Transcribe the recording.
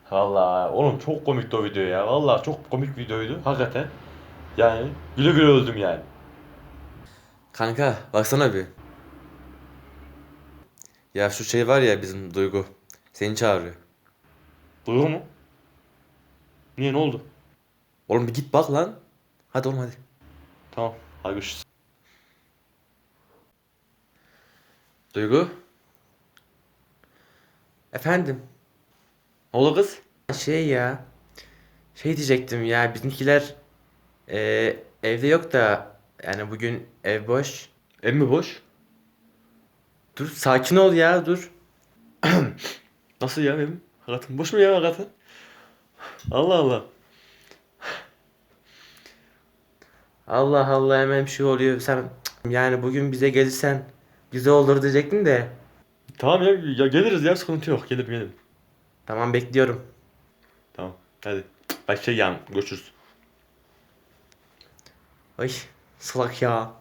Vallahi oğlum çok komikti o video ya. Vallahi çok komik videoydu hakikaten. Yani güle güle öldüm yani. Kanka baksana bir. Ya şu şey var ya bizim Duygu. Seni çağırıyor. Duygu mu? Niye, ne oldu? Oğlum bir git bak lan. Hadi oğlum hadi. Tamam. Hadi görüşürüz. Duygu. Efendim. Ne oldu kız? Şey ya. Şey diyecektim ya bizimkiler evde yok da yani bugün ev boş. Ev mi boş? Dur sakin ol ya dur. Nasıl ya evim? Hakikaten boş mu ya hakikaten? Allah Allah. Allah Allah hemen bir şey oluyor. Sen yani bugün bize gelirsen güzel olur diyecektim de. Tamam ya, ya geliriz ya, sıkıntı yok. Gelirim. Tamam bekliyorum. Tamam hadi. Bak şey yani görüşürüz. Ay salak ya.